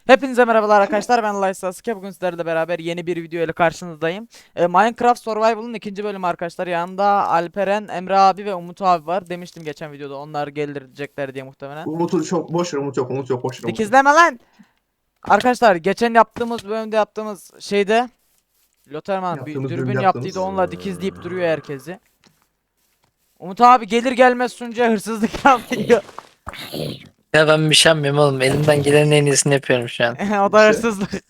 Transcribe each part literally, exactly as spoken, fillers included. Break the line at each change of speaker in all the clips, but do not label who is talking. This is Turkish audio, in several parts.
Hepinize merhabalar arkadaşlar, ben Lay Sasuke. Bugün sizlerle beraber yeni bir video ile karşınızdayım. Ee, Minecraft Survival'ın ikinci bölümü arkadaşlar. Yanında Alperen, Emre abi ve Umut abi var. Demiştim geçen videoda onlar getirecekler diye muhtemelen.
Umut'u çok boş ver, Umut yok, Umut yok, boş ver, Umut yok.
Dikizleme lan! Arkadaşlar geçen yaptığımız bölümde yaptığımız şeyde Loterman bir
Yaptığımız
dürbün
bölümde
yaptıydı,
yaptığımız.
onunla dikizleyip duruyor herkesi. Umut abi gelir gelmez sunucuya hırsızlık yapıyor.
Ya ben bir şey yapmıyorum oğlum. Elimden gelenin en iyisini yapıyorum şu an.
O da hırsızlık.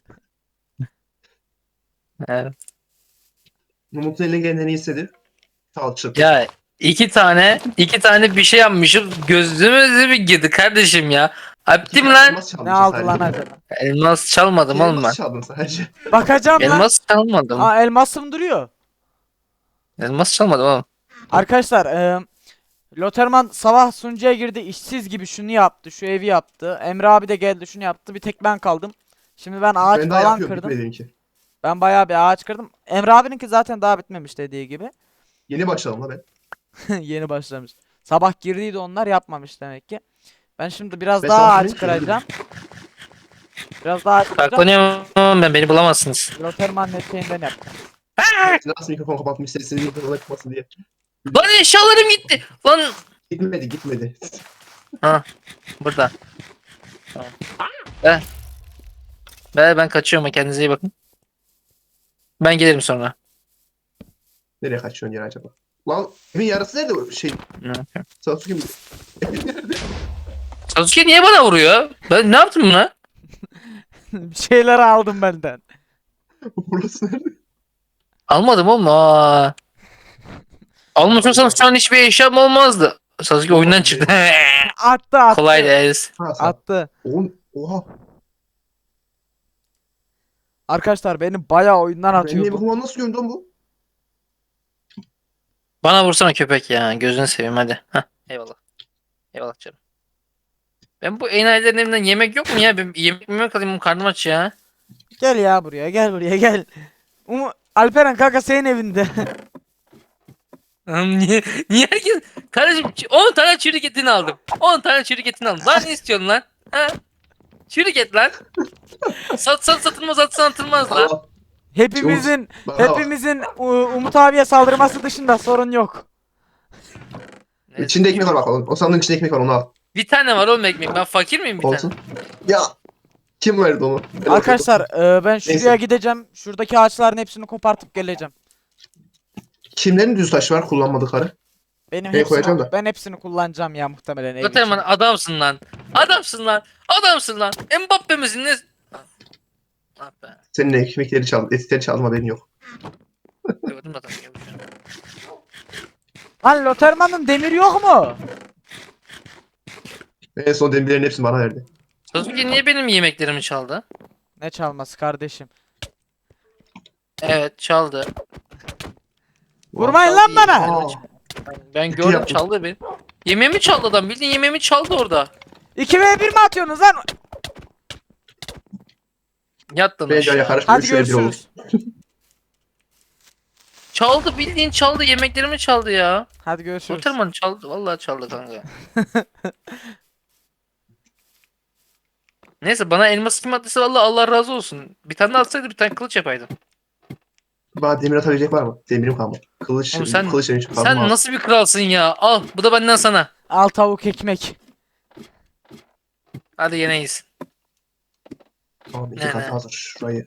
Evet.
Umut'un eline gelen en iyisi Sağ çırpı.
Ya iki tane iki tane bir şey yapmışım. Gözümüze bir girdi kardeşim ya. Abdim lan.
Elmas çaldın
Ne
sen
aldı
sadece.
lan acaba?
Elmas çalmadım oğlum
Elmas
ben.
çaldın sadece.
Bakacağım lan.
Elmas çalmadım.
Aa, elmasım duruyor.
Elmas çalmadım oğlum.
Arkadaşlar e, Loterman sabah sunucuya girdi, işsiz gibi şunu yaptı, şu evi yaptı. Emre abi de geldi, şunu yaptı. Bir tek ben kaldım. Şimdi ben ağaç
Ben daha
falan
yapıyorum,
kırdım.
bitmedi benimki.
Ben bayağı bir ağaç kırdım. Emre abininki zaten daha bitmemiş dediği gibi.
Yeni başladım la ben.
Yeni başlamış. Sabah girdiydi, onlar yapmamış demek ki. Ben şimdi biraz
Ben
daha
sabah
ağaç
girince
kıracağım. Biraz daha ağaç kıracağım.
Saklanıyorum oğlum ben, beni bulamazsınız.
Loterman netliğinden yapacağım.
Nasıl mikrofon kapatmış sesini mikrofona çıkmasın diye.
Lan eşyalarım gitti. Lan.
Gitmedi, gitmedi.
Ha burada. Tamam. Be. Be ben kaçıyorum, kendinize iyi bakın. Ben gelirim sonra.
Nereye kaçıyorsun ya acaba? Lan evin yarısı nerede o şey?
Ne yapıyorum?
Sasuke mi? Evin nerede?
Sasuke niye bana vuruyor? Ben ne yaptım buna?
Bir şeyler aldım benden.
Burası nerede?
Almadım oğlum. Aa. Almasam şu an hiçbir eşyam olmazdı. Sasuke oyundan çıktı.
Attı attı.
Kolay değil.
Ha sağ.
Attı.
Oğlum, oha.
Arkadaşlar beni bayağı oyundan
Benim
atıyordu.
evim nasıl gördün lan bu?
Bana vursana köpek ya. Gözünü seveyim hadi. Heh, eyvallah. Eyvallah canım. Ben bu enayilerin evinden yemek yok mu ya? Ben yemek mi alayım, karnım aç ya.
Gel ya buraya, gel buraya, gel. Umu Alperen kanka senin evinde.
Oğlum niye, niye herkes... Kardeşim on tane çürük etini aldım. on tane çürük etini aldım. Lan ne istiyorsun lan? Ha? Çürük et lan. Sat sat satılmaz, atsan atılmaz lan.
Allah.
Hepimizin
Bana bak.
hepimizin U- Umut abiye saldırması dışında sorun yok.
Neyse.
İçinde ekmek var bakalım. O sandığın içinde ekmek var, onu al.
Bir tane var oğlum ekmek. Ben fakir miyim bir
Olsun.
tane?
Ya. Kim verdi onu? Ben
Arkadaşlar e, ben şuraya
Neyse.
gideceğim. Şuradaki ağaçların hepsini kopartıp geleceğim.
Kimlerin düz taşı var kullanmadıkları?
Benim
Neye koyacağım
hepsini
da?
ben hepsini kullanacağım ya muhtemelen ev
Zaten
için.
bana adamsın lan. Adamsın lan. Adamsın lan. Mbappe misin ne? Ah be.
Senin ekmekleri çaldım, etleri çaldım, haberin yok.
Gördüm zaten. gördüm.
Lan Loterman'ın demiri yok mu?
En son demirlerin hepsini bana verdi.
Sasuke niye benim yemeklerimi çaldı?
Ne çalması kardeşim?
Evet çaldı.
Vurmayın lan bana.
Aa,
Ben
Kötü
gördüm
yaptın.
çaldı beni. Yemeğimi çaldı adam. Bildiğin yemeğimi çaldı orada.
iki ve bir mi atıyorsunuz lan?
Yattın
bence
aşağı.
karışmıyor.
Hadi
Şöyle bir olur.
görüşürüz.
Çaldı, bildiğin çaldı. Yemeklerimi çaldı ya.
Hadi görüşürüz.
Oturman çaldı. Vallahi çaldı kanka. Neyse bana elmas kim attıysa vallahi Allah razı olsun. Bir tane de atsaydı bir tane kılıç yapaydım.
Bana demir atabilecek var mı? Demirim kalmadı. Kılıç,
Oğlum sen-
kılıç demiş.
Sen nasıl bir kralsın ya? Al bu da benden sana.
Al tavuk ekmek.
Hadi yeneyiz.
Tamam, iki
Ne,
kat
ne?
hazır. Şurayı.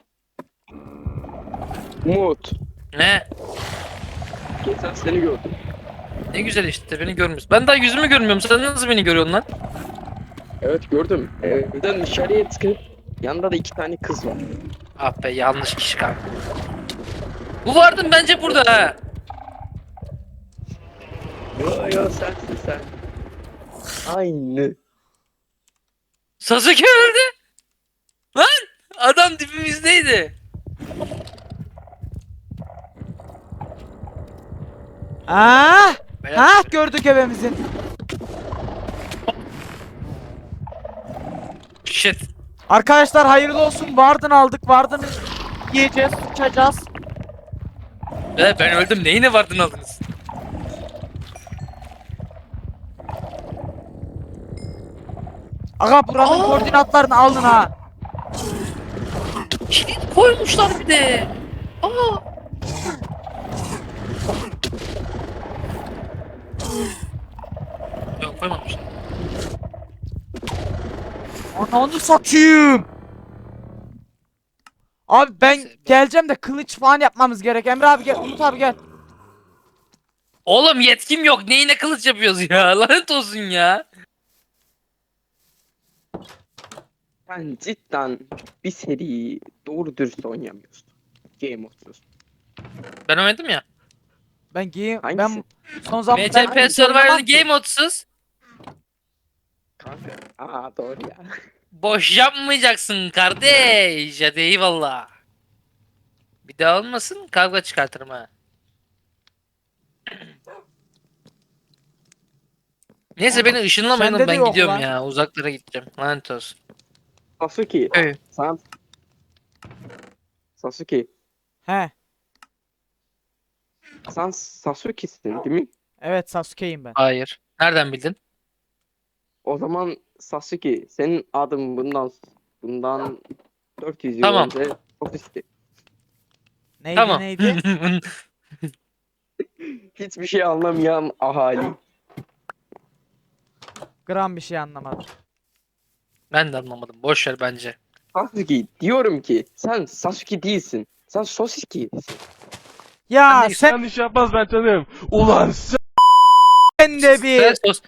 Umut,
Ne?
geçen seni gördüm.
Ne güzel işte beni görmüyorsun. Ben daha yüzümü görmüyorum. Sen nasıl beni görüyorsun lan?
Evet gördüm. Evden dışarıya çıkıp yanında da iki tane kız var.
Ah be, yanlış kişi kanka. Bu vardın bence burada ha.
Yo yo sensin sen. Aynı.
Sasuke öldü. Lan adam dibimizdeydi.
Aa!
Beyler,
Ha gördük evimizin.
Shit.
Arkadaşlar hayırlı olsun. Vardın aldık. Vardın yiyeceğiz, uçacağız.
Be, ben öldüm. Neyine vardın aldınız?
Aga buranın
Aa!
koordinatlarını alın ha.
Kilit koymuşlar bir de. Aa. Yok koymamışlar.
Ananı satayım. Abi ben
Neyse, ben-
geleceğim de kılıç falan yapmamız gerek. Emre abi gel, Umut abi gel.
Oğlum yetkim yok. Neyine kılıç yapıyoruz ya? Lanet olsun ya.
Sen cidden bir seriyi doğru dürüst oynayamıyorsun. Game of Thrones.
Ben oynadım ya.
Ben giyeyim.
Hangisi?
Ben son zaman
M
ben
C P
hiç oynamam
Survival
ki.
Game modsuz.
Kanka. Aa doğru ya.
Boş yapmayacaksın kardeş. Hadi eyvallah. Bir daha olmasın kavga çıkartırım ha. Neyse beni ışınlamayın
Sende
oğlum,
de
ben
yok
gidiyorum
lan.
ya. Uzaklara gideceğim. Lanet olsun.
Sasuke.
Evet.
Sen... Sasuke.
He.
Sen Sasuke'sin değil mi?
Evet Sasuke'yim ben.
Hayır. Nereden bildin?
O zaman Sasuke senin adın bundan bundan dört yüz yıl
Tamam.
önce Sasuke.
Neydi
Tamam.
neydi?
Hiçbir şey anlamayan ahali.
Gram bir şey anlamadım.
Ben de anlamadım. Boş ver bence.
Sasuke diyorum ki sen Sasuke değilsin. Sen Sasuke'sin.
Ya
Ben de-
sen
Yanlış yapmazlar canım. Ulan
de
Sen,
bir
sos...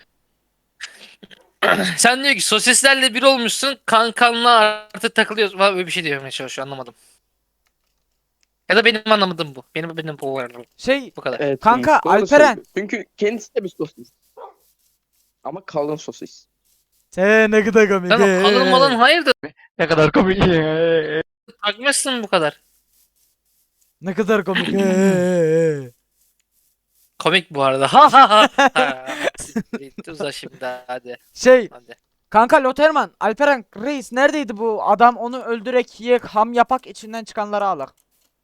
Sen diyor ki sosislerle bir olmuşsun, kankanla artık takılıyorsun falan, böyle bir şey diyor çalışıyor, anlamadım. Ya da benim anlamadığım bu. Benim benim bu
şey
bu kadar.
Evet,
Kanka,
doğru
Alperen.
söylüyor. Çünkü kendisi de bir sosis. Ama kalın sosis.
sen ne kadar komik.
Tamam,
he.
kalın malın hayırdır?
ne kadar komik.
Takmışsın bu kadar.
Ne kadar komik. he.
Komik bu arada. Ha ha ha. Ha, siktir, Uza şimdi hadi.
Şey
Hadi.
kanka Loterman, Alperen Reis neredeydi bu adam, onu öldürek yiyek ham yapak içinden çıkanları alak.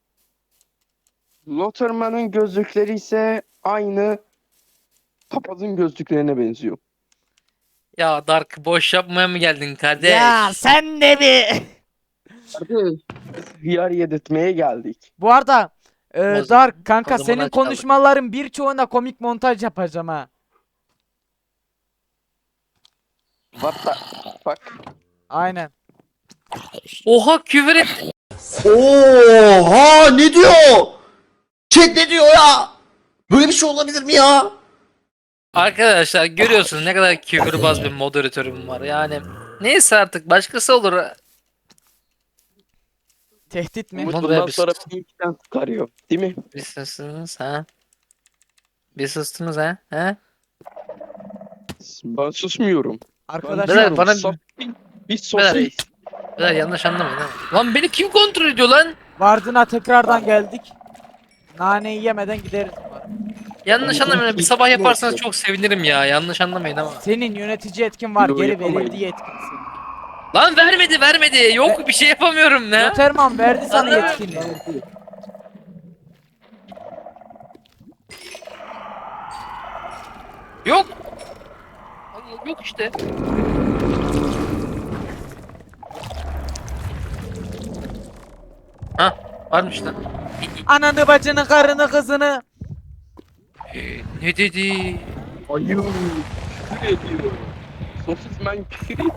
Lotterman'ın gözlükleri ise aynı papazın gözlüklerine benziyor.
Ya Dark, boş yapmaya mı geldin kardeş?
Ya sen de bir.
Kardeş, biz hıyar yedirtmeye geldik.
Bu arada e,
O zaman-
Dark kanka
o zaman
senin
açalım.
konuşmaların birçoğuna komik montaj yapacağım ha.
What the fuck?
Aynen.
Oha, küfür et.
Oha ne diyor? Chat ne diyor ya? Böyle bir şey olabilir mi ya?
Arkadaşlar görüyorsunuz ne kadar küfürbaz bir moderatörüm var. Yani neyse, artık başkası olur.
Tehdit mi?
Umut-
Umut
olur ya,
bundan
biz-
sonra pinkten çıkarıyor. Değil mi?
Bir sustunuz ha? Bir sustunuz ha? Ha?
Ben susmuyorum.
Arkadaşlar
Beyler, bana-
Sos- bir
Beyler,
sosis.
beyler yanlış anlamayın ha. Lan beni kim kontrol ediyor lan?
Vardın'a tekrardan geldik. Naneyi yemeden gideriz umarım.
Yanlış anlamayın. Bir sabah yaparsanız çok sevinirim ya. Yanlış anlamayın ama.
Senin yönetici etkin var,
Yo,
geri
yapamayız.
verildiği etkin senin.
Lan vermedi vermedi. Yok bir şey yapamıyorum ne?
Loterman verdi sana
Anlamıyorum.
yetkinliği.
Yok. Allah, yok işte. Ha, varmış lan.
Ananı bacını karını kızını.
Ne dedi?
Ayı. Küfür ediyor. Sosismen küfür ediyor.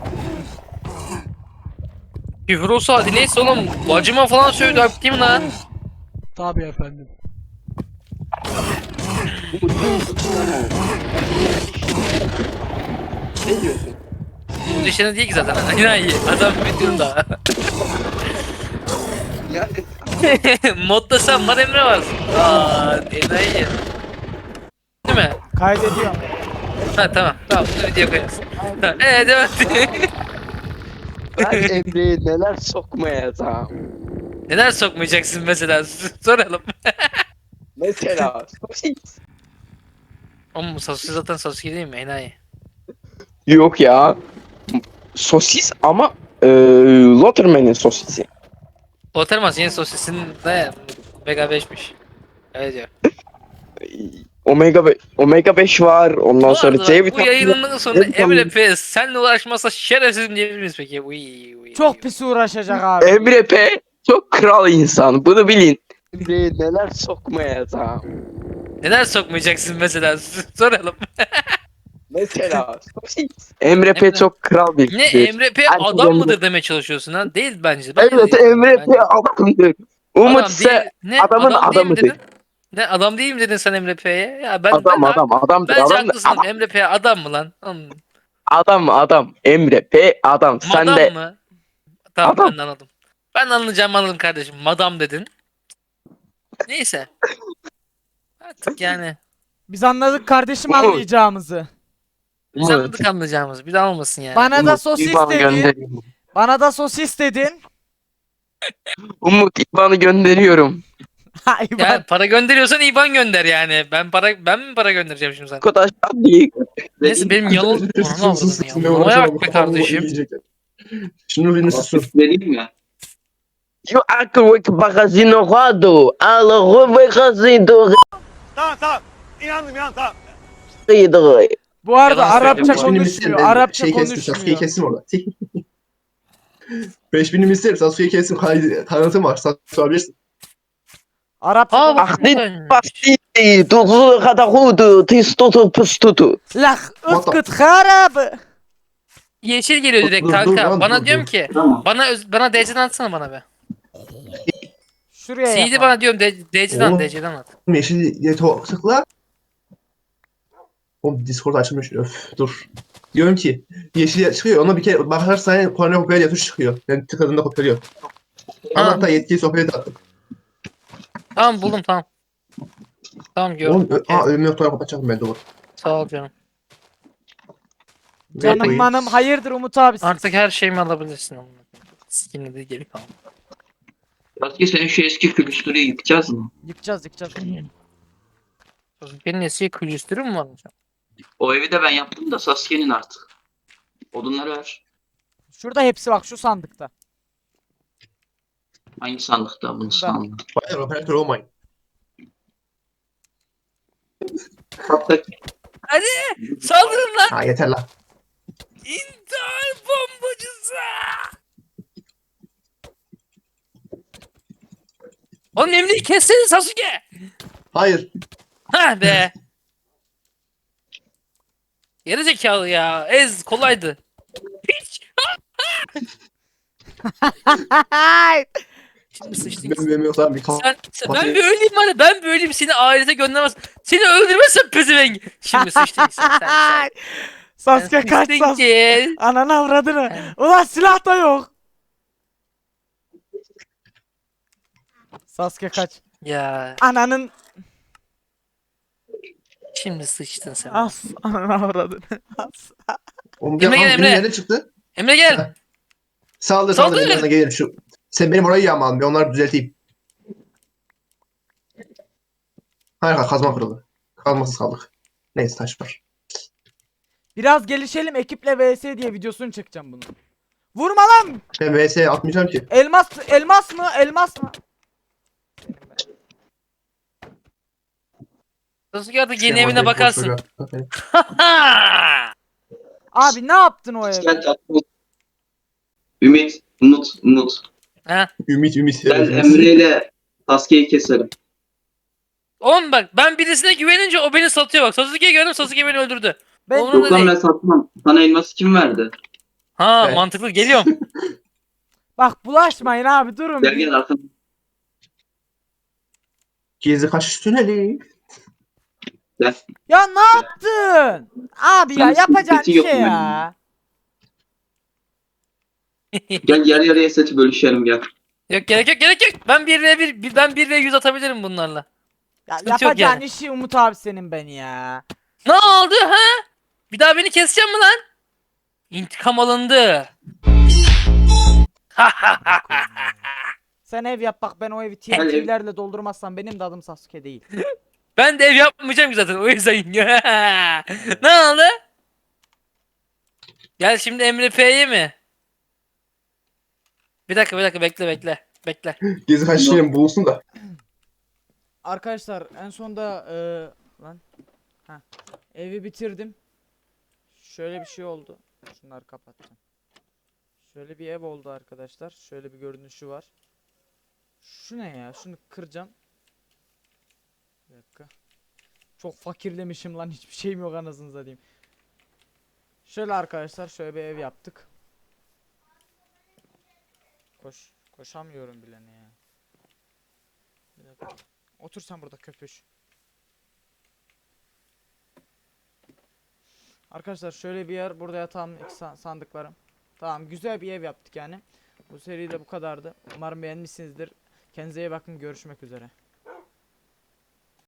Küfür olsa hadi, neyse oğlum. Bacıma falan sövdü abi, değil mi lan?
Tabii efendim.
Ne diyorsun?
Bu dışarı değil ki zaten. Aynen iyi. Adam videoda.
Yani
Modda sen var, Emre var. Aa, enayi. Değil mi?
Kaydediyorum.
Ha tamam. Tamam. Bunu video koyarız. Tamam. Eee devam et.
ben Emre'ye neler sokmayacağım.
Neler sokmayacaksın mesela? Soralım.
Mesela sosis.
Oğlum Sasuke zaten Sasuke değil mi? Enayi.
Yok ya. Sosis ama e, Lotterman'in sosisi.
Otermas yeni sosisin de Mega beşmiş. Öyle diyor.
Omega be- Omega beş var. Ondan
Bu
sonra
arada
C
bu
vitamini.
yayının sonra
C vitamini.
Emre P senle uğraşmasa şerefsizim diyebilir miyiz peki? Uy, uy,
Çok
uy.
pis uğraşacak abi.
Emre P çok kral insan. Bunu bilin. Buraya neler sokmayacağım.
Neler sokmayacaksın mesela? Soralım.
Mesela sosis. Emre P
Emre-
çok kral bir
Ne
kişidir.
Emre P
Herkes
adam
Emre-
mıdır demeye çalışıyorsun ha? Değil bence. Ben
Evet
de değilim.
Emre
Bence-
P adamdır. Umut
Adam
ise
değil. Ne?
adamın
Adam değil mi
adamıdır.
dedin? Ne adam değil mi dedin sen Emre P'ye? Ya ben
Adam
ben
adam adamdır.
bence
Adam,
haklısın.
adam,
Emre P adam mı lan? Hmm.
adam adam. Emre P adam. Sen
Madam
de
mı? Tamam
Adam.
ben de anladım. Ben anlayacağım anladım kardeşim. Madam dedin. Neyse. Artık yani.
Biz anladık kardeşim
Umut.
anlayacağımızı.
Biz
Umut.
anladık anlayacağımız. Bir daha olmasın yani.
Bana da
Umut,
sosis
İban'ı
dedin.
gönderiyorum.
Bana da sosis dedin.
Umut İban'ı gönderiyorum.
Hay
Ya
bak.
para gönderiyorsan IBAN gönder yani. Ben para ben mi para göndereceğim şimdi sana?
Arkadaşlar değil.
Neyse benim yanıl... Onu avradın ya. Mamaya bak be kardeşim.
Şunu birini susun.
Vereyim ya.
Yo acro que bagazino rodo. Alo bagazino.
Tamam tamam. İnandım inandım tamam.
Rodo.
Bu arada
Yalan
Arapça
söylüyorum.
Beş binimi isterim.
konuşmuyor.
Ben
Arapça
şey kestim. Sasuke'yi
konuşmuyor.
kestim orada. Beş binimi isterim. Sasuke'yi kestim. Kaydı- Tanıtım var. Sasuke alabilirsin.
Arapça
Aa bak
konuşmuyor.
Ahdin
buradaymış.
basti. Tuzu kadahudu. Tistotu pustutu.
Lah
What the-
ıskıt harabı.
Yeşil geliyor direkt
Dur, dur
kanka.
lan,
Bana
dur,
diyorum
dur.
ki
Tamam.
bana öz- bana D C'den atsana bana be.
Şuraya
C D
yapalım.
bana diyorum D- DC'den
Oğlum.
D C'den at.
Yeşil diye to- tıkla. Oğlum Discord açılmış. Öf dur. Diyorum ki yeşil çıkıyor. Ona bir kere bakarsan kornea diye tuş çıkıyor. Ben tıkladığımda kopyalıyor.
Ha.
Ama hatta yetkili sohbet attım.
Tamam buldum tamam. Tamam gördüm.
Oğlum ö-
okey.
aa ölümü noktaları kapatacaktım ben de bu.
Sağ ol canım.
Canım manım hayırdır Umut abi.
Artık her şeyimi alabilirsin. Skin'i de geri kaldı.
Sasuke senin şu eski külüstürü yıkacağız mı?
Yıkacağız yıkacağız.
Benim eski külüstürüm mü varmış?
O evi de ben yaptım da Sasuke'nin artık. Odunları ver.
Şurada hepsi bak şu sandıkta.
Hangi sandıkta bunu sandım?
Hayır operatör olmayın.
Hatta
Saldırın lan!
Ha yeter lan.
İntihar bombacısı! Oğlum Emre'yi kessene Sasuke!
Hayır.
Ha be! Geri zekalı ya. Ez kolaydı. Piç! Şimdi sıçtın.
Ben ben yoksa bir
Sen, sen- ben bir öleyim var ya, ben bir öleyim seni ahirete göndermez. Seni öldürmezsem pezevenk. Şimdi sıçtın sen sen sen.
Sasuke
Sen
kaç
sıçtın
Sasuke.
ki.
Ananı avradını. Ulan silah da yok. Sasuke kaç.
Ya
Ananın
şimdi sıçtın sen.
as. Ananı avradını. As.
Oğlum
Emre
ya,
gel,
benim
Emre.
yerine çıktı.
Emre gel.
Saldır saldır
Saldır.
benim yanına gelirim şu. Sen benim orayı yağma bir onları düzelteyim. Hayır hayır, kazma kırıldı. Kazmasız kaldık. Neyse taş var.
Biraz gelişelim ekiple vs diye videosunu çekeceğim bunu. Vurma lan.
Ben V S atmayacağım ki.
Elmas elmas mı? Elmas mı?
Sasuke artık yeni
Şey,
evine
orada
bakarsın.
boş ver.
Abi ne yaptın o evde?
Gel tatlım. Ümit, Umut, Umut.
Ha.
Ümit ümit.
Ben Emre ile Sasuke'yi keserim.
Oğlum bak ben birisine güvenince o beni satıyor bak. Sasuke'ye güvendim Sasuke beni öldürdü.
Ben
Oğlum,
Yok lan
değil.
ben satmam. Sana elması kim verdi?
Ha
Evet.
mantıklı geliyorum.
bak bulaşmayın abi durun.
Gel
bir.
gel arkamda.
Gezi kaçış tüneli.
Gel.
Ya ne yaptın? Abi ya
Sen
yapacağın
sıkıntı yok
şey
mu
ya.
Gel yarı yarıya seti bölüşelim gel.
Yok gerek yok gerek yok. Ben bir ve bir, bir- ben bir ve yüz atabilirim bunlarla.
Ya
Sıkıntı yok
yapacağın
yani.
işi Umut abi senin ben ya.
Ne oldu ha? Bir daha beni kesecek mi lan? İntikam alındı.
Sen ev yap bak ben o evi
Hadi.
T N T'lerle doldurmazsam benim de adım Sasuke değil.
Ben de ev yapmayacağım ki zaten o yüzden. Ne oldu? Gel şimdi Emre P'ye mi? Bir dakika bir dakika bekle bekle. Bekle.
Gezi kaçış tüneli bulunsun da.
Arkadaşlar en sonda eee lan ha evi bitirdim. Şöyle bir şey oldu. Şunları kapattım. Şöyle bir ev oldu arkadaşlar. Şöyle bir görünüşü var. Şu ne ya? Şunu kıracağım. Bir dakika. Çok fakirlemişim lan, hiçbir şeyim yok anasını satayım. Şöyle arkadaşlar, şöyle bir ev yaptık. Koş, koşamıyorum bile ne ya. Bir dakika. Otur sen burada köpüş. Arkadaşlar şöyle bir yer, burada yatağım, iki sa- sandıklarım. Tamam, güzel bir ev yaptık yani. Bu seri de bu kadardı. Umarım beğenmişsinizdir. Kendinize iyi bakın, görüşmek üzere.